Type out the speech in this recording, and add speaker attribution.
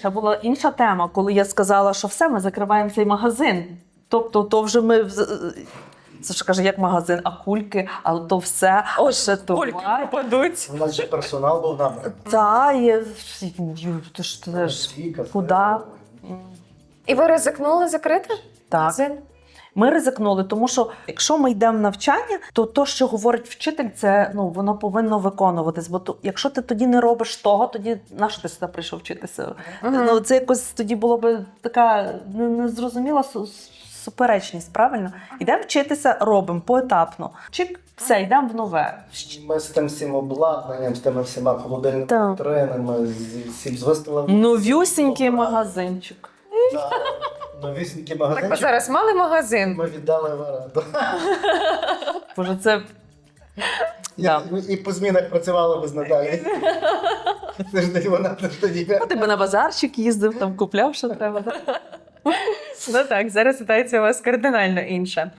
Speaker 1: ще була інша тема, коли я сказала, що все, ми закриваємо цей магазин. Тобто, то вже ми... Це ж каже, як магазин, а кульки, а то все, а ще
Speaker 2: Кульки
Speaker 1: товар.
Speaker 2: пропадуть.
Speaker 3: У нас же персонал був набраний.
Speaker 1: Та, ти ж теж, куди?
Speaker 2: І ви ризикнули закрити
Speaker 1: Так.
Speaker 2: магазин?
Speaker 1: Ми ризикнули, тому що якщо ми йдемо в навчання, то то, що говорить вчитель, це воно повинно виконуватись. Бо якщо ти тоді не робиш того, тоді на що ти сюди прийшов вчитися? Це якось тоді було б така незрозуміла суперечність, правильно? Йдемо вчитися, робимо поетапно. Чик, все, йдемо в нове.
Speaker 3: Ми з тим всім обладнанням, з тими всіма холодильними
Speaker 1: Так.
Speaker 3: тренами, з виставами.
Speaker 1: Новюсінький магазинчик.
Speaker 3: Новісінький
Speaker 2: Так, а
Speaker 3: магазинчик.
Speaker 2: зараз мали магазин.
Speaker 3: Ми віддали в оренду.
Speaker 1: Боже, це... Да.
Speaker 3: І по змінах працювали без Наталі. Це ж не вона, це ж тоді.
Speaker 1: Ти би на базарчик їздив, там купляв, що треба.
Speaker 2: Ну так, зараз ситуація у вас кардинально інша.